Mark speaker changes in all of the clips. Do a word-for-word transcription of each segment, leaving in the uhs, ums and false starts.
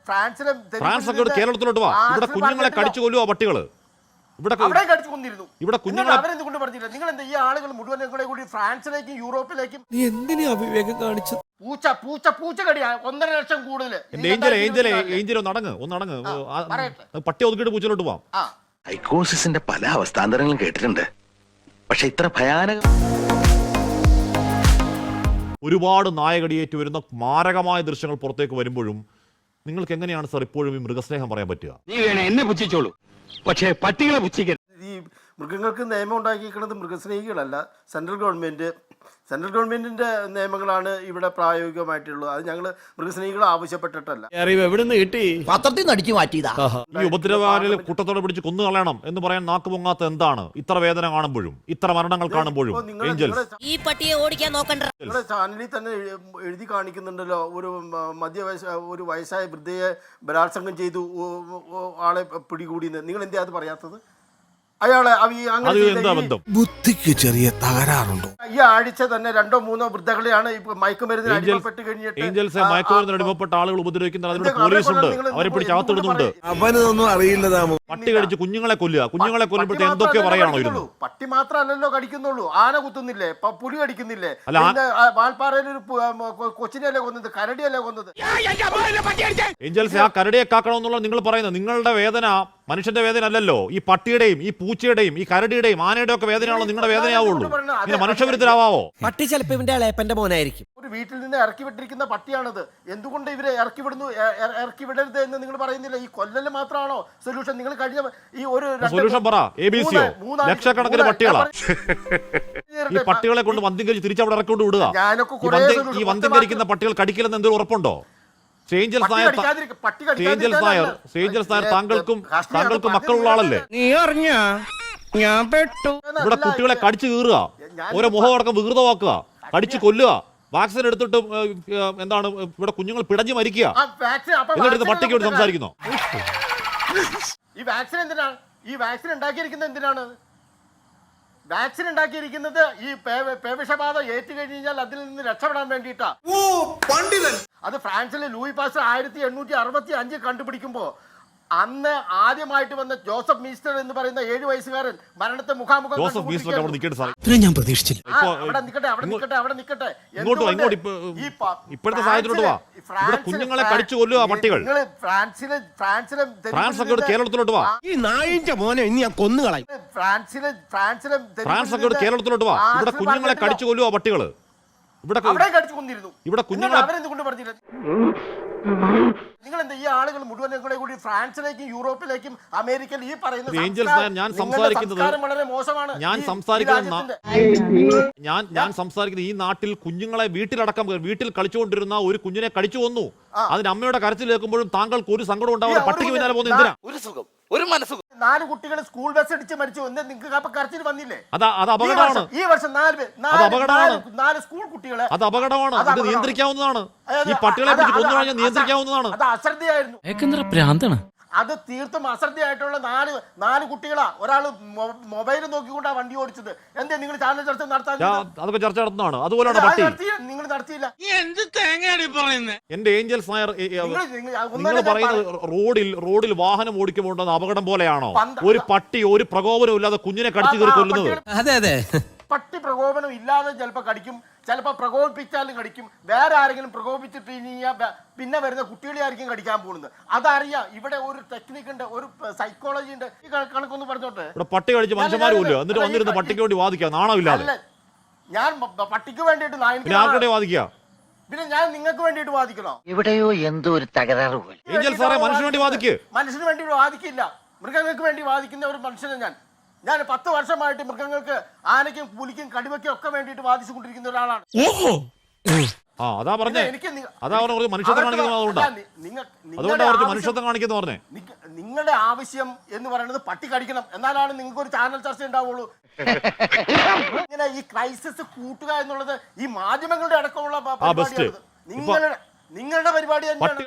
Speaker 1: ഫ്രാൻസിലും
Speaker 2: ഫ്രാൻസൊക്കെ കേരളത്തിലോട്ട് വാ. ഇവിടെ കുഞ്ഞുങ്ങളെ കടിച്ചു കൊല്ലുവോ പട്ടികള്? ഇവിടെ
Speaker 1: അവിടെ കടിച്ചു കൊന്നിരുന്നു.
Speaker 2: ഇവിടെ കുഞ്ഞുങ്ങളെ
Speaker 1: അവരെന്തുകൊണ്ട് പറഞ്ഞില്ല? നിങ്ങൾ എന്താ ഈ ആളുകൾ മുഴുവൻ കൂടെ കൂടി ഫ്രാൻസിലേക്കും യൂറോപ്പിലേക്കും
Speaker 3: നീ എന്തിനാ അവിവേകം കാണിച്ചത്?
Speaker 1: പൂച്ച പൂച്ച പൂച്ച കടിയാ ഒന്നര ലക്ഷം കൂടുതൽ.
Speaker 2: ഏഞ്ചലെ ഏഞ്ചലെ ഏഞ്ചലെ ഒന്ന് അടങ്ങ് ഒന്ന് അടങ്ങ് പട്ടി ഒതുക്കിയിട്ട് പൂച്ചയിലോട്ട് പോവാം.
Speaker 4: സൈക്കോസിന്റെ പല അവസ്ഥാന്തരങ്ങളും കേട്ടിട്ടുണ്ട്, പക്ഷെ ഇത്ര ഭയാനക
Speaker 2: ഒരുപാട് നായകടിയേറ്റ് വരുന്ന മാരകമായ ദൃശ്യങ്ങൾ പുറത്തേക്ക് വരുമ്പോഴും നിങ്ങൾക്ക് എങ്ങനെയാണ് സാർ ഇപ്പോഴും ഈ മൃഗസ്നേഹം പറയാൻ പറ്റുക?
Speaker 5: നീ വേണേ എന്നെ പുച്ഛിച്ചോളൂ, പക്ഷേ പട്ടികളെ പുച്ഛിക്കരുത്.
Speaker 1: ഈ മൃഗങ്ങൾക്ക് നിയമം ഉണ്ടാക്കിയിരിക്കുന്നത് മൃഗസ്നേഹികളല്ല, സെൻട്രൽ ഗവൺമെന്റ് സെൻട്രൽ ഗവൺമെന്റിന്റെ നിയമങ്ങളാണ് ഇവിടെ പ്രായോഗികമായിട്ടുള്ളത്. അത് ഞങ്ങൾ മൃഗസ്നേഹികൾ ആവശ്യപ്പെട്ടിട്ടല്ല.
Speaker 3: എവിടുന്ന് കിട്ടി?
Speaker 6: പത്രത്തിൽ നിന്ന് അടിച്ചു മാറ്റിയതാ.
Speaker 2: ഈ ഉപദ്രവകാരിൽ കൂട്ടത്തോടെ പിടിച്ച് കൊന്നു കളയണം എന്ന് പറയാൻ നാക്ക് പൊങ്ങാത്ത എന്താണ്? ഇത്ര വേദന കാണുമ്പോഴും ഇത്ര മരണങ്ങൾ കാണുമ്പോഴും
Speaker 6: ഈ പട്ടിയെ ഓടിക്കാൻ നോക്കണ്ട.
Speaker 1: നിങ്ങളുടെ ചാനലിൽ തന്നെ എഴുതി കാണിക്കുന്നുണ്ടല്ലോ, ഒരു മധ്യ വയസ്സ ഒരു വയസ്സായ വൃദ്ധയെ ബലാത്സംഗം ചെയ്തു ആളെ പിടികൂടി. നിങ്ങൾ എന്താ അത് പറയാത്തത്? അയാളെ
Speaker 3: ബുദ്ധിക്ക് ചെറിയ തകരാറുണ്ടോ?
Speaker 1: ഈ ആഴ്ച തന്നെ രണ്ടോ മൂന്നോ വൃദ്ധകളെയാണ് മയക്കുമരുന്നിന് അടിമപ്പെട്ട് കഴിഞ്ഞിട്ട്
Speaker 2: മയക്കുമരുന്നിന് അടിമപ്പെട്ട ആളുകൾ ഉപദ്രവിക്കുന്നത്. അതിവിടെ പോലീസുണ്ട്, അവരെ പിടിച്ച് അകത്തിടുന്നുണ്ട്.
Speaker 3: അവനൊന്നും അറിയില്ലതാ.
Speaker 2: പട്ടി കടിച്ച് കുഞ്ഞുങ്ങളെ കൊല്ലുക, കുഞ്ഞുങ്ങളെ കൊല്ലുമ്പോഴത്തെ എന്തൊക്കെ പറയാണോ ഇരുന്നു?
Speaker 1: പട്ടി മാത്രമല്ലല്ലോ കടിക്കുന്നുള്ളൂ, ആന കുത്തുന്നില്ലേ, പുലി കടിക്കുന്നില്ലേ, വാൽപ്പാറയിൽ ഒരു കൊച്ചിനെയല്ലേ കൊന്നത്, കരടിയല്ലേ കൊന്നത്.
Speaker 2: ഏഞ്ചൽസ്, ആ കരടിയെ കാക്കണമെന്നുള്ള നിങ്ങൾ പറയുന്നത് നിങ്ങളുടെ വേദന മനുഷ്യന്റെ വേദന അല്ലല്ലോ. ഈ പട്ടിയുടെയും ഈ പൂച്ചയുടെയും ഈ കരടിയുടെയും ആനയുടെ ഒക്കെ വേദനയാണല്ലോ നിങ്ങളുടെ വേദനയാവുള്ളൂ. പിന്നെ മനുഷ്യവിരുദ്ധരാവോ?
Speaker 3: പട്ടി ചിലപ്പോ ഇവന്റെ ഇളയപ്പന്റെ മോനായിരിക്കും.
Speaker 1: ഒരു വീട്ടിൽ നിന്ന് ഇറക്കി വിട്ടിരിക്കുന്ന പട്ടിയാണത്. എന്തുകൊണ്ട് ഇവരെ ഇറക്കി വിടുന്നു, ഇറക്കി വിടരുത് എന്ന് നിങ്ങൾ പറയുന്നില്ല? ഈ കൊല്ലല് മാത്രമാണോ സൊല്യൂഷൻ? നിങ്ങൾ കഴിഞ്ഞ ഈ ഒരു
Speaker 2: സൊല്യൂഷൻ പറ. എ ബി സിയോ ലക്ഷക്കണക്കിന് പട്ടികളാ. ഈ പട്ടികളെ കൊണ്ട് വന്ധ്യംകരിച്ച് തിരിച്ചവിടെ ഇറക്കൊണ്ട് വിടുക. ഈ വന്ധ്യംകരിക്കുന്ന പട്ടികൾ കടിക്കില്ലെന്ന് എന്തൊരു ഉറപ്പുണ്ടോ? സേഞ്ചൽസ് നായർ, സേഞ്ചൽസ് നായർ, സേഞ്ചൽസ് നായർ താങ്കൾക്കും താങ്കൾക്കും മക്കളുള്ള ആളല്ലേ?
Speaker 3: നീ അറിഞ്ഞ ഞാൻ പെട്ടു.
Speaker 2: ഇവിടെ കുട്ടികളെ കടിച്ചു കീറുക, ഓരോ മുഖമടക്കം വികൃതമാക്കുക, കടിച്ചു കൊല്ലുക, വാക്സിൻ എടുത്തിട്ട് എന്താണ് ഇവിടെ കുഞ്ഞുങ്ങൾ പിടഞ്ഞു മരിക്കുക. എന്നിട്ട് പട്ടിക്ക് വേണ്ടി സംസാരിക്കുന്നു.
Speaker 1: ഈ വാക്സിൻ എന്തിനാണ്? ഈ വാക്സിൻ ഉണ്ടാക്കിയിരിക്കുന്നത് എന്തിനാണ്? വാക്സിൻ ഉണ്ടാക്കിയിരിക്കുന്നത് ഈ പേവിഷബാധ ഏറ്റു കഴിഞ്ഞാൽ അതിൽ നിന്ന് രക്ഷപ്പെടാൻ വേണ്ടിയിട്ടാ. അത് ഫ്രാൻസിലെ ലൂയി പാസ്റ്റർ ആയിരത്തി എണ്ണൂറ്റി അറുപത്തി അഞ്ച് കണ്ടുപിടിക്കുമ്പോ അന്ന് ആദ്യമായിട്ട് വന്ന ജോസഫ് മീസ്റ്റർ എന്ന് പറയുന്ന ഏഴു വയസ്സുകാരൻ മരണത്തെ മുഖാമുഖം
Speaker 3: ഞാൻ പ്രതീക്ഷിച്ചില്ല.
Speaker 1: അവിടെ നിൽക്കട്ടെ അവിടെ നിൽക്കട്ടെ അവിടെ നിൽക്കട്ടെ
Speaker 2: ഇപ്പോഴത്തെ സാഹചര്യത്തിലോട്ട് വാ. ഇവിടെ കുഞ്ഞുങ്ങളെ കടിച്ചു കൊല്ലുക പട്ടികൾ.
Speaker 1: ഫ്രാൻസിലെ ഫ്രാൻസിലെ
Speaker 2: ഫ്രാൻസൊക്കെ കേരളത്തിലോട്ട് വാ.
Speaker 3: ഈ നായിന്റെ മോനെ ഇനി ഞാൻ കൊന്നുകളയും.
Speaker 1: ഫ്രാൻസിലെ ഫ്രാൻസിലെ
Speaker 2: ഫ്രാൻസൊക്കെ കേരളത്തിലോട്ട് വാ. ഇവിടെ കുഞ്ഞുങ്ങളെ കടിച്ചു കൊല്ലുക പട്ടികള്. ഇവിടെ
Speaker 1: കടിച്ചു കൊന്നിരുന്നു.
Speaker 2: ഇവിടെ കുഞ്ഞുങ്ങളെ
Speaker 1: അവരെന്തുകൊണ്ട് പറഞ്ഞില്ല? നിങ്ങൾ എന്താ ഈ ആളുകൾ മുഴുവൻ കൂടെ കൂടി ഫ്രാൻസിലേക്കും യൂറോപ്പിലേക്കും അമേരിക്കയിൽ ഈ പറയുന്ന
Speaker 2: ഞാൻ സംസാരിക്കുന്നത്
Speaker 1: വളരെ മോശമാണ്.
Speaker 2: ഞാൻ സംസാരിക്കുന്നത് ഞാൻ ഞാൻ സംസാരിക്കുന്നത് ഈ നാട്ടിൽ കുഞ്ഞുങ്ങളെ വീട്ടിലടക്കം വീട്ടിൽ കളിച്ചുകൊണ്ടിരുന്ന ഒരു കുഞ്ഞിനെ കടിച്ചു കൊന്നു. അതിന് അമ്മയുടെ കരച്ചിൽ കേൾക്കുമ്പോഴും താങ്കൾക്ക് ഒരു സങ്കടം ഉണ്ടാവില്ല. പട്ടിക്ക് പിന്നാലെ പോകുന്ന എന്തിനാ?
Speaker 1: ഒരു സുഖം, ഒരു മനസ്സുഖം. നാല് കുട്ടികൾ സ്കൂൾ ബസ് ഇടിച്ച് മരിച്ചു. എന്താ നിങ്ങൾക്ക് കരച്ചിൽ വന്നില്ലേ?
Speaker 2: അത് അത് അപകടമാണ്.
Speaker 1: ഈ വർഷം നാല് നാല് സ്കൂൾ കുട്ടികളെ അത്
Speaker 2: അപകടമാണ്. അത് നിയന്ത്രിക്കാവുന്നതാണ്. ഈ പട്ടികളെ പിടിച്ച് കൊന്നു കഴിഞ്ഞാൽ നിയന്ത്രിക്കാവുന്നതാണ്.
Speaker 1: അത് അശ്രദ്ധയായിരുന്നു. അത് തീർത്തും അശ്രദ്ധയായിട്ടുള്ള നാല് നാല് കുട്ടികളാ. ഒരാള് മൊബൈൽ നോക്കിക്കൊണ്ടാ വണ്ടി ഓടിച്ചത്. എന്താ നിങ്ങൾ ചാനൽ ചർച്ച നടത്താൻ?
Speaker 2: അതൊക്കെ ചർച്ച നടത്തുന്നതാണ്. അതുപോലെയാണ് പട്ടി.
Speaker 1: നിങ്ങൾ നടത്തിയില്ല.
Speaker 2: എന്റെ ഏഞ്ചൽസ് നായർ, നിങ്ങൾ പറയുന്നത് റോഡിൽ റോഡിൽ വാഹനം ഓടിക്കുമ്പോൾ അപകടം പോലെയാണോ? ഒരു പട്ടി ഒരു പ്രകോപനവും ഇല്ലാതെ കുഞ്ഞിനെ കടിച്ചു കയറി കൊല്ലുന്നത്?
Speaker 3: അതെ അതെ.
Speaker 1: പട്ടി പ്രകോപനം ഇല്ലാതെ ചിലപ്പോൾ കടിക്കും, ചിലപ്പോൾ പ്രകോപിപ്പിച്ചാലും കടിക്കും. വേറെ ആരെങ്കിലും പ്രകോപിച്ചിട്ട് ഇനി പിന്നെ വരുന്ന കുട്ടികളെ ആയിരിക്കും കടിക്കാൻ പോകുന്നത്. അതറിയാം. ഇവിടെ ഒരു ടെക്നിക്ക് ഉണ്ട്, ഒരു സൈക്കോളജി ഉണ്ട്. ഈ കണക്കൊന്ന് പറഞ്ഞോട്ടെ.
Speaker 2: ഇവിടെ പട്ടി കടിച്ച് മനുഷ്യന്മാരും ഇല്ല, എന്നിട്ട് വന്നിരുന്ന പട്ടിക്ക് വേണ്ടി വാദിക്കുക. നാണമില്ലാതെ.
Speaker 1: ഞാൻ പട്ടിക്ക് വേണ്ടിയിട്ട്
Speaker 2: വാദിക്കുക,
Speaker 1: പിന്നെ ഞാൻ നിങ്ങൾക്ക് വേണ്ടിയിട്ട് വാദിക്കണോ?
Speaker 6: ഇവിടെയോ എന്തോ ഒരു തകരാറ്.
Speaker 2: മനുഷ്യന് വേണ്ടി വാദിക്കുക.
Speaker 1: മനുഷ്യന് വേണ്ടി വാദിക്കില്ല, മൃഗങ്ങൾക്ക് വേണ്ടി വാദിക്കുന്ന ഒരു മനുഷ്യനെ ഞാൻ ഞാൻ പത്ത് വർഷമായിട്ട് മൃഗങ്ങൾക്ക്, ആനയ്ക്കും പുലിക്കും കടുവയ്ക്കും ഒക്കെ വേണ്ടിയിട്ട് വാദിച്ചു കൊണ്ടിരിക്കുന്ന ഒരാളാണ്.
Speaker 2: അതാ പറഞ്ഞേ, അതാ പറഞ്ഞ മനുഷ്യത്വം കാണിക്കുന്ന മനുഷ്യത്വം കാണിക്കുന്ന പറഞ്ഞേ.
Speaker 1: നിങ്ങളുടെ ആവശ്യം എന്ന് പറയുന്നത് പട്ടി കടിക്കണം, എന്നാലാണ് നിങ്ങൾക്ക് ഒരു ചാനൽ ചർച്ച ഉണ്ടാവുള്ളൂ. ഇങ്ങനെ ഈ ക്രൈസിസ് കൂട്ടുക എന്നുള്ളത് ഈ മാധ്യമങ്ങളുടെ അടക്കമുള്ള പരിപാടിയാണ്. നിങ്ങളുടെ നിങ്ങളുടെ പരിപാടി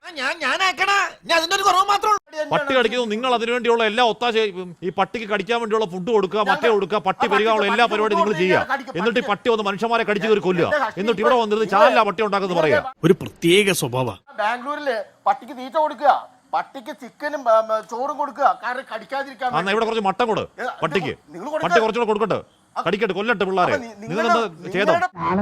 Speaker 2: പട്ടി കടിക്കുന്നു. നിങ്ങൾ അതിനുവേണ്ടിയുള്ള എല്ലാ ഒത്താശ, ഈ പട്ടിക്ക് കടിക്കാൻ വേണ്ടിയുള്ള ഫുഡ് കൊടുക്കുക, മറ്റേ കൊടുക്കുക, പട്ടി പെരുകാനുള്ള എല്ലാ പരിപാടിയും നിങ്ങൾ ചെയ്യുക. എന്നിട്ട് ഈ പട്ടി വന്ന് മനുഷ്യന്മാരെ കടിച്ചു കയറി കൊല്ലുക. എന്നിട്ട് ഇവിടെ വന്നിരുന്ന് ചാനല പട്ടി ഉണ്ടാക്കുന്നത് പറയാ.
Speaker 3: ഒരു പ്രത്യേക സ്വഭാവം.
Speaker 1: ബാംഗ്ലൂരില് പട്ടിക്ക് തീറ്റ കൊടുക്കുക, പട്ടിക്ക് ചിക്കനും ആ, ആ, ചോറും കൊടുക്കുക കാരണം കടിക്കാതിരിക്കാൻ
Speaker 2: ആ, എന്നാ ഇവിടെ കുറച്ച് മട്ടൻ കൊടു
Speaker 1: ഏ,
Speaker 2: പട്ടിക്ക്
Speaker 1: നിങ്ങൾ കൊടുക്ക.
Speaker 2: പട്ടി കുറച്ചുകൂടെ കൊടുക്കട്ടെ കടിക്കട്ടെ കൊല്ലട്ടെ പിള്ളേരെ
Speaker 1: അപ്പൊ നി-
Speaker 2: നിങ്ങൾ
Speaker 1: നിങ്ങളുടെ-
Speaker 2: ചെയ്തോ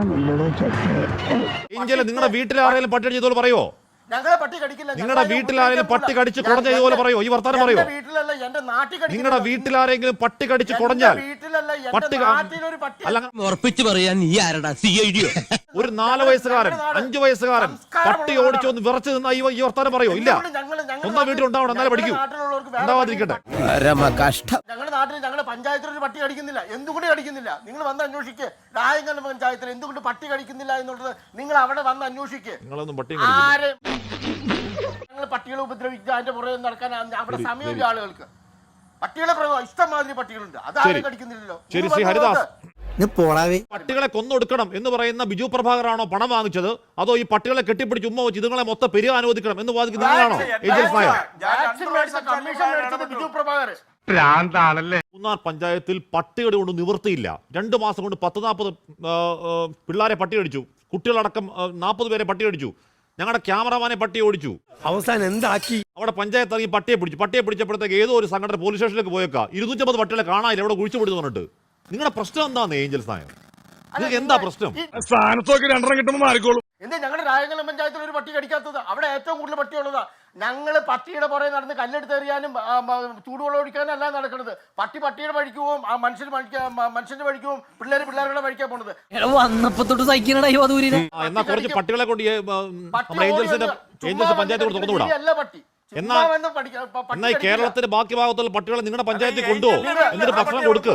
Speaker 2: ഏഞ്ചലെ നിങ്ങളുടെ വീട്ടിൽ ആരെങ്കിലും പട്ടി അടിച്ചതുപോലെ പറയോ
Speaker 1: ഞങ്ങളെ പട്ടി കടിക്കില്ല
Speaker 2: നിങ്ങളുടെ വീട്ടിലാരെങ്കിലും പട്ടി കടിച്ച് കുടഞ്ഞ ഇതുപോലെ പറയോ ഈ വർത്താനം പറയോ
Speaker 1: വീട്ടിലല്ല എന്റെ നാട്ടിൽ കടിക്കില്ല.
Speaker 2: നിങ്ങളുടെ വീട്ടിലാരെങ്കിലും പട്ടി കടിച്ച്
Speaker 1: എന്റെ
Speaker 2: കുടഞ്ഞാൽ
Speaker 1: വീട്ടിലല്ല
Speaker 2: പട്ടി
Speaker 1: എന്റെ നാട്ടിലൊരു പട്ടി
Speaker 2: അല്ല
Speaker 3: ഉറപ്പിച്ചു പറയാൻ നീ ആരടാ സി ഐ ഡിയോ
Speaker 2: ഒരു നാല് വയസ്സുകാരൻ അഞ്ചു വയസ്സുകാരൻ പട്ടി ഓടിച്ചു ഒന്ന് വിറച്ച് നിന്ന ഈ ഈ വർത്താനം പറയോ ഇല്ല
Speaker 1: ഞങ്ങള് ഞങ്ങളുടെ
Speaker 2: സ്വന്തം വീട്ടിൽ ഉണ്ടാവണം എന്നാലേ പഠിക്കൂ
Speaker 1: നാട്ടിലുള്ളവർക്ക് വേറെ
Speaker 2: ഉണ്ടാവാതിരിക്കട്ടെ
Speaker 3: കഷ്ടം
Speaker 1: ഞങ്ങളുടെ നാട്ടിൽ ഞങ്ങളുടെ പഞ്ചായത്തിൽ ഒരു പട്ടി കടിക്കുന്നില്ല എന്തുകൊണ്ട് കടിക്കുന്നില്ല നിങ്ങൾ വന്ന് അന്വേഷിക്കുക രായങ്കൽ പഞ്ചായത്തിൽ എന്തുകൊണ്ട് പട്ടി കടിക്കുന്നില്ല എന്നുള്ളത് നിങ്ങൾ അവിടെ വന്ന് അന്വേഷിക്കുക
Speaker 2: നിങ്ങളൊന്നും പട്ടി
Speaker 1: ആരെ ഞങ്ങൾ പട്ടികളെ ഉപദ്രവിക്കുക അതിന്റെ പുറകെ നടക്കാൻ അവിടെ സമയമില്ല ആളുകൾക്ക് പട്ടികളെ പ്രയോഗം ഇഷ്ടംമാതിരി പട്ടികളുണ്ട് അതാരും
Speaker 2: ശരി.
Speaker 1: കടിക്കുന്നില്ലല്ലോ
Speaker 2: ശരി
Speaker 1: നിങ്ങൾ
Speaker 2: ശ്രീ
Speaker 1: വന്ന്
Speaker 2: ഹരിദാസ്
Speaker 1: നോക്ക്.
Speaker 3: പോടാവേ
Speaker 2: പട്ടികളെ കൊന്നൊടുക്കണം എന്ന് പറയുന്ന ബിജു പ്രഭാകറാണോ പണം വാങ്ങിച്ചത് അതോ ഈ പട്ടികളെ കെട്ടിപ്പിടിച്ച് ഉമ്മ വെച്ച് ഇതുങ്ങളെ മൊത്തം പെരുക അനുവദിക്കണം എന്ന് വാദിക്കുന്ന നിങ്ങളാണോ ഏഞ്ചൽസ് നായർ
Speaker 1: വാക്സിൻ മേടിച്ച കമ്മീഷൻ മേടിച്ചത് ബിജു പ്രഭാകർ
Speaker 5: ഭ്രാന്താണല്ലേ
Speaker 2: മൂന്നാർ പഞ്ചായത്തിൽ പട്ടികടി കൊണ്ട് നിവൃത്തിയില്ല രണ്ട് മാസം കൊണ്ട് പത്ത് നാൽപ്പത് പിള്ളേരെ പട്ടി കടിച്ചു കുട്ടികളടക്കം നാൽപ്പത് പേരെ പട്ടി കടിച്ചു ഞങ്ങളുടെ ക്യാമറമാനെ പട്ടി ഓടിച്ചു
Speaker 3: അവസാനം എന്താക്കി
Speaker 2: അവിടെ പഞ്ചായത്ത് ഇറങ്ങി പട്ടിയെ പിടിച്ചു പട്ടിയെ പിടിച്ചപ്പോഴത്തേക്ക് ഏതോ ഒരു സംഘടന പോലീസ് സ്റ്റേഷനിലേക്ക് പോയേക്കാം ഇരുന്നൂറ്റമ്പത് പട്ടികളെ കാണാനില്ല അവിടെ കുഴിച്ചു പിടിച്ചു പറഞ്ഞിട്ട് നിങ്ങളുടെ പ്രശ്നം എന്താന്ന് ഏഞ്ചൽസ് നായർ നിങ്ങൾക്ക് എന്താ പ്രശ്നം
Speaker 5: സ്ഥാനത്തൊക്കെ രണ്ടെണ്ണം കിട്ടുമ്പോൾ മാറിക്കോളും
Speaker 1: എന്താ ഞങ്ങളുടെ രായങ്കലം പഞ്ചായത്തിൽ ഒരു പട്ടി കടിക്കാത്തത് അവിടെ ഏറ്റവും കൂടുതൽ പട്ടിയുള്ളതാ ഞങ്ങൾ പട്ടിയുടെ പുറകെ നടന്ന് കല്ലെടുത്ത് എറിയാനും ആ, മ, ചൂടുവെള്ളം ഒഴിക്കാനും അല്ല നടക്കുന്നത് പട്ടി പട്ടിയുടെ വഴിക്ക് പോവും ആ മനുഷ്യന് വഴിക്കാ മനുഷ്യന്റെ വഴിക്ക് പോവും പിള്ളേര് പിള്ളേരുടെ വഴിക്കാ പോണത്
Speaker 6: വന്നപ്പോ തൊട്ട് സഹിക്കണടാ ഈ വധൂരിനെ
Speaker 2: ആ, എന്നാ കുറച്ച് പട്ടികളെ കൊണ്ട് ഈ, ആ,
Speaker 1: പട്ടി
Speaker 2: നമ്മുടെ ഏഞ്ചൽസിന്റെ
Speaker 1: ഓടി വന്ന്
Speaker 2: ഏഞ്ചൽസ്
Speaker 1: ചുമ്മാ
Speaker 2: പഞ്ചായത്ത്
Speaker 1: വന്ന്
Speaker 2: കൊണ്ട് തുറന്നുവിടാം
Speaker 1: അല്ല പട്ടി
Speaker 2: എന്നാ
Speaker 1: ചുമ്മാ വന്ന് പഠിക്ക- പ- പട്ടി
Speaker 2: എന്നാ ഈ
Speaker 1: കടിക്കില്ല.
Speaker 2: കേരളത്തിന്റെ ബാക്കി ഭാഗത്തുള്ള പട്ടികളെ നിങ്ങളുടെ പഞ്ചായത്തിൽ കൊണ്ടുപോകും എന്നിട്ട് ഭക്ഷണം കൊടുക്ക്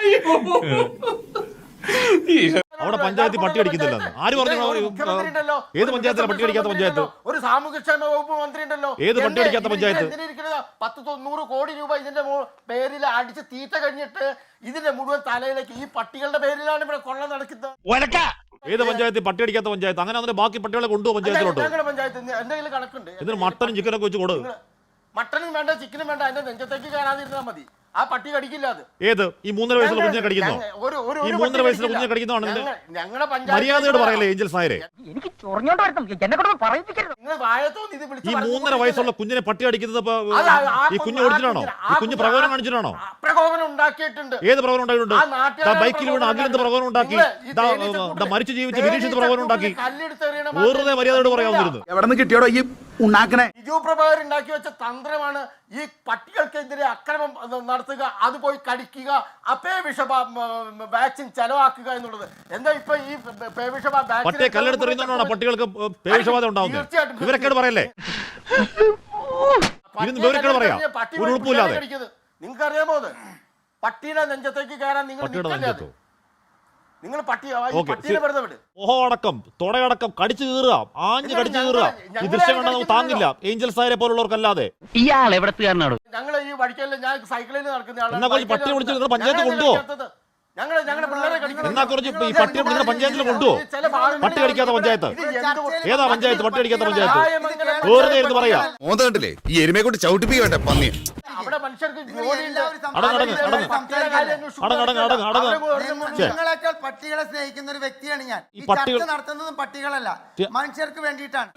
Speaker 2: അവിടെ പഞ്ചായത്തിൽ പട്ടി അടിക്കുന്നില്ലെന്ന് ആര് പറഞ്ഞു
Speaker 1: ഒരു മുഖ്യമന്ത്രി ഉണ്ടല്ലോ,
Speaker 2: ഏത്
Speaker 1: ഒരു
Speaker 2: പഞ്ചായത്തിലാണ് പട്ടി അടിക്കാത്ത പഞ്ചായത്ത്
Speaker 1: ഒരു സാമൂഹ്യക്ഷേമ വകുപ്പ് മന്ത്രി ഉണ്ടല്ലോ
Speaker 2: ഏത് പട്ടി
Speaker 1: എന്തേ
Speaker 2: അടിക്കാത്ത
Speaker 1: ഇത്
Speaker 2: പഞ്ചായത്ത്?
Speaker 1: എന്തിനാ ഇരിക്കണത്? പത്ത് തൊണ്ണൂറ് കോടി രൂപ ഇതിന്റെ മോ- പേരിൽ അടിച്ച് തീറ്റ കഴിഞ്ഞിട്ട് ഇതിന്റെ മുഴുവൻ തലയിലേക്ക് ഈ പട്ടികളുടെ പേരിലാണ് ഇവിടെ കൊള്ള നടക്കുന്നത്.
Speaker 2: ഏത് പഞ്ചായത്തിൽ പട്ടി അടിക്കാത്ത പഞ്ചായത്ത് അങ്ങനെ അതിന്റെ ബാക്കി പട്ടികളെ കൊണ്ടുപോകും പഞ്ചായത്തിലോട്ട്
Speaker 1: ഞങ്ങളുടെ പഞ്ചായത്ത് എന്തെങ്കിലും കണക്കുണ്ട്
Speaker 2: ഇതിന് മട്ടനും ചിക്കനൊക്കെ വെച്ച് കൊടു
Speaker 1: നിങ്ങള് മട്ടനും വേണ്ട ചിക്കനും വേണ്ട അതിന്റെ നെഞ്ചത്തേക്ക് കയറാതിരുന്നാൽ മതി ആ പട്ടി കടിക്കില്ല അത്
Speaker 2: ഏത് ഈ മൂന്നര വയസ്സുള്ള കുഞ്ഞിനെ കടിക്കുന്നോ
Speaker 1: ഞങ്ങ- ഒരു- ഒരു-
Speaker 2: ഈ
Speaker 1: ഒരു
Speaker 2: മൂന്നര
Speaker 1: പട്ടി
Speaker 2: വയസ്സുള്ള
Speaker 1: കടിക്കില്ല.
Speaker 2: കുഞ്ഞിനെ കടിക്കുന്നതാണ് ഇതിന്റെ
Speaker 1: ഞങ്ങ- ഞങ്ങളുടെ പഞ്ചായത്ത്
Speaker 2: മര്യാദയോട് പറയല്ലേ ഏഞ്ചൽസ് നായരെ
Speaker 6: എനിക്ക് ചൊറഞ്ഞോണ്ട് വരണം എന്നെ കൊണ്ട് പറയിപ്പിക്കരുത്
Speaker 1: നിങ്ങൾ വാഴത്തോന്ന് ഇത് വിളിച്ച്
Speaker 2: ഈ
Speaker 1: പറഞ്ഞു
Speaker 2: മൂന്നര
Speaker 1: കൊടുക്കരുത്.
Speaker 2: വയസ്സുള്ള കുഞ്ഞിനെ പട്ടി അടിക്കുന്നത് ഇപ്പൊ,
Speaker 1: അത് ആ- ആ
Speaker 2: ഈ കുഞ്ഞ്
Speaker 1: കുഞ്ഞ്
Speaker 2: ഓടിച്ചിട്ടാണോ
Speaker 1: ആ
Speaker 2: ഈ കുഞ്ഞ്
Speaker 1: കുഞ്ഞ്
Speaker 2: പ്രകോപനം
Speaker 1: ആ-
Speaker 2: കാണിച്ചിട്ടാണോ
Speaker 1: ആ പ്രകോപനം ഉണ്ടാക്കിയിട്ടുണ്ട്
Speaker 2: ഏത് പ്രകോപനം ഉണ്ടായിട്ടുണ്ട്
Speaker 1: ആ നാട്ടുകാരുടെ
Speaker 2: ബൈക്കിൽ വീണ് അഖിലെന്ത് പ്രകോപനം ഉണ്ടാക്കി
Speaker 1: നിങ്ങള് ഈ
Speaker 2: ദാ,
Speaker 1: തേനീച്ച
Speaker 2: ദാ,
Speaker 1: കൂട്ടില്
Speaker 2: മരിച്ചു ജീവിച്ച്
Speaker 1: തേനീച്ച
Speaker 2: വിരീക്ഷിച്ച് പ്രകോപനം ഉണ്ടാക്കി
Speaker 1: കൂട്ടില് കല്ലെടുത്തെറിയണ
Speaker 2: വെറുതെ
Speaker 1: മാത്രം
Speaker 2: മര്യാദയോട്
Speaker 1: ഇല്ല.
Speaker 2: പറയാവുന്നിരുന്നു
Speaker 7: എവിടെ നിന്ന് കിട്ടിയോടോ ഈ ഉണ്ടാക്കണേ
Speaker 1: ബിജു പ്രഭാകർ ഉണ്ടാക്കി വെച്ച തന്ത്രമാണ് ഈ പട്ടികൾക്കെതിരെ അക്രമം നടത്തുക അത് പോയി കടിക്കുക അപ്പേ വിഷ വാക്സിൻ ചെലവാക്കുക എന്നുള്ളത് എന്താ ഇപ്പൊ ഈ പേ വിഷ
Speaker 2: പട്ടിയെ കല്ലെടുത്തെറിയുന്നതുകൊണ്ടാണ് പട്ടികൾക്ക് പേവിഷബാധ ഉണ്ടാവുന്നത്
Speaker 1: തീർച്ചയായിട്ടും.
Speaker 2: ഇവരൊക്കെ പറയല്ലേ ഇരുന്ന് വിവരക്കേട് പറയാം. ഒരു ഉളുപ്പുമില്ലാതെ.
Speaker 1: നിങ്ങൾക്ക് അറിയാമോ അത് പട്ടിയുടെ നെഞ്ചത്തേക്ക് കയറാൻ നിങ്ങൾ
Speaker 2: പട്ടിയുടെ
Speaker 1: നിൽക്കല്ലേ അത്?
Speaker 2: നെഞ്ചത്തോ?
Speaker 1: നിങ്ങൾ പട്ടി ഈ
Speaker 2: ഓക്കേ,
Speaker 1: പട്ടീനെ
Speaker 2: ശരി.
Speaker 1: വെറുതെ വിട്
Speaker 2: ഓഹോ അടക്കം തുടയടക്കം കടിച്ചു കീറുക ആഞ്ഞു
Speaker 1: എന്നിട്ട്
Speaker 2: കടിച്ചു
Speaker 1: ഞങ്ങള്
Speaker 2: കീറുക ഈ
Speaker 1: ഞങ്ങളെ
Speaker 2: ദൃശ്യം കണ്ടാൽ നമുക്ക്
Speaker 1: കടിക്കുന്നില്ലല്ലോ.
Speaker 2: താങ്ങില്ല ഏഞ്ചൽസ് നായരെ പോലുള്ളവർക്കല്ലാതെ
Speaker 5: ഇയാൾ എവിടത്തുകാരനാണ്
Speaker 1: ഞങ്ങൾ ഈ വഴിക്കല്ല ഞാൻ സൈക്കിളിൽ നടക്കുന്ന ആളാണ്.
Speaker 2: എന്നാ കുറച്ച്
Speaker 1: ബൈക്കിൽ
Speaker 2: പട്ടിയെ വിളിച്ച്
Speaker 1: നടക്കുന്ന-
Speaker 2: നിങ്ങൾ പഞ്ചായത്ത്
Speaker 1: ഞങ്ങളെ
Speaker 2: കൊണ്ടുപോ.
Speaker 1: കടിക്കാത്തത്. ഞങ്ങള് ഞങ്ങളുടെ പിള്ളേരെ കടിക്കുന്നത്.
Speaker 2: എന്നാ കുറച്ച് ഈ പട്ടിയെ നിങ്ങളുടെ പഞ്ചായത്തിൽ കൊണ്ടുപോ.
Speaker 1: ചില ഭാഗങ്ങളിൽ
Speaker 2: പട്ടി കടിക്കാത്ത പഞ്ചായത്ത്.
Speaker 1: ഇത് എന്ത്
Speaker 2: ഏതാ പഞ്ചായത്ത് പട്ടി അടിക്കാത്ത പഞ്ചായത്ത്
Speaker 1: ന്യായമംഗലം
Speaker 2: വെറുതെ ഇരുന്ന് പറയാ
Speaker 7: മോന്ത കണ്ടില്ലേ ഈ എരുമയെ കൊണ്ട് ചവിട്ടിപ്പിക്കട്ടെ പന്നി
Speaker 1: അവിടെ മനുഷ്യർക്ക് ജോലിയുണ്ട്.
Speaker 2: അടങ്ങ് അടങ്ങ് അടങ്ങ്
Speaker 1: പട്ടിയുടെ കാര്യം അന്വേഷിച്ച്
Speaker 2: അടങ്ങ് അടങ്ങ് അടങ്ങ് അടങ്ങ്
Speaker 1: അവരെ വെറുതെ
Speaker 2: ഛെ.
Speaker 8: നിങ്ങളെക്കാൾ പട്ടികളെ സ്നേഹിക്കുന്ന ഒരു വ്യക്തിയാണ് ഞാൻ.
Speaker 2: ഈ
Speaker 8: ഈ
Speaker 2: പട്ടികൾ-
Speaker 8: ചർച്ച നടത്തുന്നതും പട്ടികളല്ല,
Speaker 2: ഛെ.
Speaker 8: മനുഷ്യർക്ക് വേണ്ടിയിട്ടാണ്.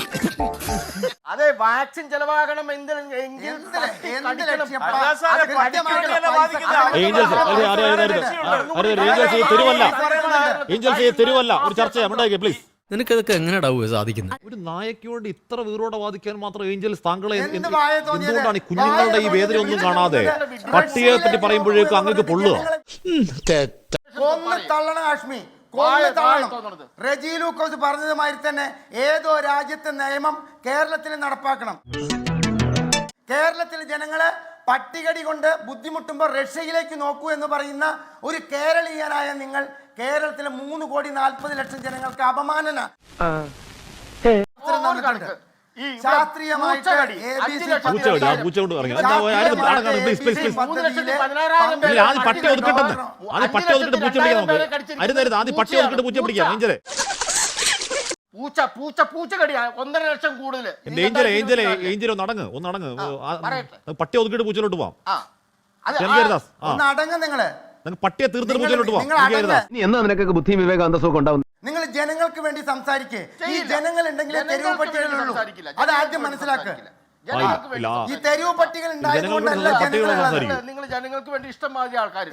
Speaker 1: അതെ വാക്സിൻ ചെലവാകണം എന്തിന് എങ്കിൽ
Speaker 8: എന്ത്
Speaker 1: പട്ടി
Speaker 8: എന്ത്
Speaker 1: കടിക്കണം.
Speaker 8: ലക്ഷ്യം?
Speaker 1: അത്
Speaker 8: അത്
Speaker 1: കടിക്കണം.
Speaker 8: കൃത്യമായിട്ടുള്ള
Speaker 2: ഏഞ്ചൽസ് അരുത് അരുത് അരുത് അരുത് അരുത് ഏഞ്ചൽസ് ഈ തെരുവല്ല ഏഞ്ചൽസ് ഈ തെരുവല്ല ഒരു ചർച്ച ചെയ്യാം പ്ലീസ്
Speaker 3: നിനക്കതൊക്കെ എങ്ങനെയാ സാധിക്കുന്നത്
Speaker 2: ഒരു നായയ്ക്ക് വേണ്ടി ഇത്ര വീറോടെ വാദിക്കാൻ മാത്രം ഏഞ്ചൽസ് താങ്കളെ എന്ത്-
Speaker 8: എന്ത് വായ തോന്നിയത്?
Speaker 2: എന്തുകൊണ്ടാണ് ഈ കുഞ്ഞുങ്ങളുടെ ഈ വേദന ഒന്നും കാണാതെ പട്ടിയെ പറ്റി പറയുമ്പോഴേക്കും അങ്ങക്ക് പൊള്ളുക
Speaker 8: കൊന്ന് തള്ളണം കാശ്മീർ,
Speaker 1: വായ-
Speaker 8: കൊന്ന്
Speaker 1: വായ
Speaker 8: തള്ളണം.
Speaker 1: തോന്നണത്.
Speaker 8: റെജി ലൂക്കോസ് പറഞ്ഞതുമാതിരി തന്നെ ഏതോ രാജ്യത്തെ നിയമം കേരളത്തിൽ നടപ്പാക്കണം. കേരളത്തിലെ ജനങ്ങളെ പട്ടികടി കൊണ്ട് ബുദ്ധിമുട്ടുമ്പോൾ റഷ്യയിലേക്ക് നോക്കൂ എന്ന് പറയുന്ന ഒരു കേരളീയനായ നിങ്ങൾ കേരളത്തിലെ മൂന്ന് കോടി നാൽപ്പത് ലക്ഷം ജനങ്ങൾക്ക് അപമാനന
Speaker 1: ഒരു കണക്ക്. ഈ ഇവിടെ
Speaker 8: ശാസ്ത്രീയമായിട്ട്
Speaker 1: പൂച്ചകടി.
Speaker 8: എ ബി
Speaker 1: അഞ്ച്
Speaker 8: സി
Speaker 1: ലക്ഷത്തി
Speaker 2: പൂച്ച കടി, ആ പൂച്ച കൊണ്ട് ഇറങ്ങി. എന്താ, ആരും അടങ്ങാണ്, please, please, please.
Speaker 1: മൂന്ന് ലക്ഷത്തി പതിനാറായിരം പേരെ
Speaker 2: ഇല്ല, ആദ്യം പട്ടി
Speaker 1: കടിച്ചു.
Speaker 2: ഒതുക്കട്ടെന്ന് ആദ്യം പട്ടി ഒതുക്കിട്ട് പൂച്ച പിടിക്കാം നമുക്ക് അരുത് അരുത് ആദ്യം പട്ടി ഒതുക്കിട്ട് പൂച്ച പിടിക്കാം ഏഞ്ചലെ
Speaker 1: പൂച്ച പൂച്ച പൂച്ചകടി ഒന്നര ലക്ഷം കൂടുതൽ
Speaker 2: എന്റെ ഏഞ്ചലെ ഏഞ്ചലെ ഏഞ്ചലെ ഒന്ന് അടങ്ങ് ഒന്ന് അടങ്ങ് ആ,
Speaker 1: പറയട്ടെ.
Speaker 2: പട്ടി ഒതുക്കിട്ട് പൂച്ചയിലോട്ട് പോവാം
Speaker 1: ആ അത്
Speaker 2: എനിക്ക് ഹരിദാസ് ആ
Speaker 8: ഒന്ന് അടങ്ങ് നിങ്ങള്.
Speaker 2: നിങ്ങൾക്ക് പട്ടിയെ തീർത്തിട്ട്
Speaker 8: നിങ്ങൾ-
Speaker 2: പൂച്ചയിലോട്ട് പോവാം
Speaker 8: നിങ്ങൾ
Speaker 2: എനിക്ക്
Speaker 8: അടങ്ങ്.
Speaker 2: ഹരിദാസ്
Speaker 5: നീ എന്നാ നിനക്കൊക്കെ ബുദ്ധിയും വിവേകാന്തസവും ഉണ്ടാവും
Speaker 8: നിങ്ങൾ ജനങ്ങൾക്ക് വേണ്ടി സംസാരിക്കേ. ഈ
Speaker 1: ചെയ്യില്ല.
Speaker 8: ജനങ്ങൾ ഉണ്ടെങ്കിൽ തെരുവ്
Speaker 1: ജനങ്ങൾക്ക് വേണ്ടി
Speaker 8: പട്ടികളുള്ളൂ.
Speaker 1: സംസാരിക്കില്ല.
Speaker 8: അത് ആദ്യം
Speaker 1: ജനങ്ങൾക്ക്
Speaker 8: മനസ്സിലാക്കുക.
Speaker 1: സംസാരിക്കില്ല. ജനങ്ങൾക്ക് വേണ്ടി
Speaker 2: ഇല്ല.
Speaker 8: ഈ തെരുവ് പട്ടികൾ ഉണ്ടായതുകൊണ്ടല്ല
Speaker 2: ജനങ്ങൾക്ക് പട്ടികളെ
Speaker 8: ജനങ്ങളുള്ളത്.
Speaker 2: സംസാരിക്കും.
Speaker 1: നിങ്ങൾ ജനങ്ങൾക്ക് വേണ്ടി ഇഷ്ടം മാതിരി ആൾക്കാർ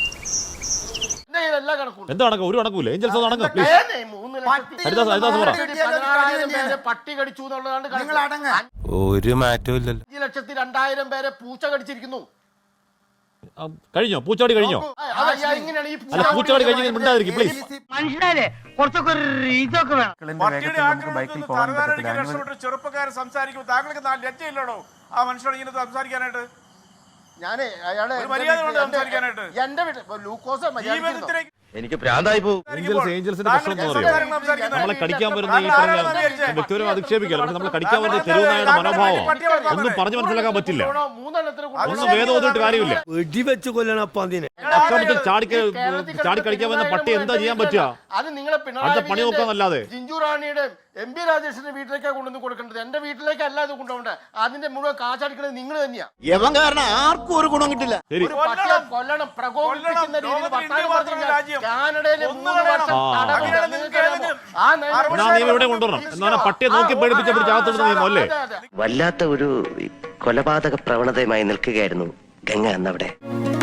Speaker 1: എല്ലാ കണക്കും
Speaker 2: എന്താ കണക്ക്? ഒരു കണക്കൂല. ഏഞ്ചൽസ് ഒന്ന് അടങ്ങ് പ്ലീസ്.
Speaker 1: മൂന്ന്
Speaker 8: പട്ടി
Speaker 2: ഹരിദാസ്, ഹരിദാസ് പറ.
Speaker 1: പതിനാറായിരം പേരെ പട്ടി കടിച്ചു എന്നുള്ളതാണ്
Speaker 8: നിങ്ങൾ അടങ്ങ്.
Speaker 3: ഒരു മാറ്റവും ഇല്ലല്ലോ.
Speaker 1: അഞ്ച് ലക്ഷത്തി രണ്ടായിരം പേരെ പൂച്ച കടിച്ചിരിക്കുന്നു.
Speaker 2: ആ, കഴിഞ്ഞോ? പൂച്ചാടി കഴിഞ്ഞോ?
Speaker 1: നോക്കൂ, അത് ഇങ്ങനെയാണ് ഈ
Speaker 2: അല്ല, പൂച്ചാടി കഴിഞ്ഞെങ്കിൽ മിണ്ടാതിരിക്കും പ്ലീസ്.
Speaker 6: മനുഷ്യനല്ലേ കുറച്ചൊക്കെ ഒരു ഇതൊക്കെ വേണം.
Speaker 9: പട്ടിയുടെ ആക്രമണത്തിൽ തലവേദനയ്ക്ക് രക്ഷപ്പെട്ട ചെറുപ്പക്കാരൻ സംസാരിക്കുമ്പോൾ താങ്കൾക്ക് നാല് ലജ്ജയില്ലടോ ആ മനുഷ്യനോട് ഇങ്ങനെ സംസാരിക്കാനായിട്ട്?
Speaker 1: ഞാന് അയാളെ
Speaker 9: ഒരു മര്യാദ വേണ്ടേ സംസാരിക്കാനായിട്ട്?
Speaker 1: എന്റെ വീട്ടിൽ ലൂക്കോസ് മര്യാദ
Speaker 9: ജീവിതത്തിലേക്ക്
Speaker 3: എനിക്ക് ഭ്രാന്തായി പോകും.
Speaker 2: ഏഞ്ചൽസ് ഏഞ്ചൽസിന്റെ പ്രശ്നം എന്ന് പറയുന്നത് നമ്മളെ കടിക്കാൻ വരുന്ന ഈ പറഞ്ഞ വ്യക്തിപരം അധിക്ഷേപിക്കല്ലോ. പക്ഷെ നമ്മളെ കടിക്കാൻ വരുന്ന തെരുവുനായുടെ മനോഭാവം ഒന്നും പറഞ്ഞു മനസ്സിലാക്കാൻ പറ്റില്ല.
Speaker 1: മൂന്നെണ്ണത്തിന്
Speaker 2: ഒന്നും വേദം ഓതിട്ട് കാര്യമില്ല.
Speaker 3: വെടിവെച്ച് കൊല്ലണം അപ്പൊ അതിനെ.
Speaker 2: അക്രമത്തിൽ ചാടി ചാടി കടിക്കാൻ വരുന്ന പട്ടി എന്താ ചെയ്യാൻ പറ്റുക?
Speaker 1: അത് നിങ്ങളെ
Speaker 2: അടുത്ത പണി നോക്കാന്നല്ലാതെ.
Speaker 1: ജിഞ്ചു റാണിയുടെ എം പി രാജേഷിന്റെ വീട്ടിലേക്കാണ് കൊണ്ടുവന്ന് കൊടുക്കേണ്ടത്. എന്റെ വീട്ടിലേക്ക് അല്ല ഇത് കൊണ്ടുപോകേണ്ടത്. അതിന്റെ മുഴുവൻ കാശടിക്കുന്നത് നിങ്ങൾ തന്നെയാ.
Speaker 3: യവൻ കാരണം ആർക്കും ഒരു ഗുണം കിട്ടില്ല.
Speaker 2: ശരി,
Speaker 1: ഒരു പട്ടിയെ കൊല്ലണം, പ്രകോപിപ്പിക്കുന്ന രീതിയിൽ വർത്തമാനം പറഞ്ഞു കഴിഞ്ഞാൽ കാനഡയിലെ മൂന്ന് വർഷം തടവുണ്ട്. നിങ്ങൾക്ക് അറിയാമോ? ആ നിയമം
Speaker 2: എന്നാ നിയമം ഇവിടെ കൊണ്ടുവരണം. എന്നാ പട്ടിയെ നോക്കി പേടിപ്പിച്ച പിടിച്ച് അകത്തോട്ട് നിയമം അല്ലേ?
Speaker 1: അതെ, അതെ.
Speaker 4: വല്ലാത്ത ഒരു കൊലപാതക പ്രവണതയുമായി നിൽക്കുകയായിരുന്നു ഗംഗ എന്നവിടെ.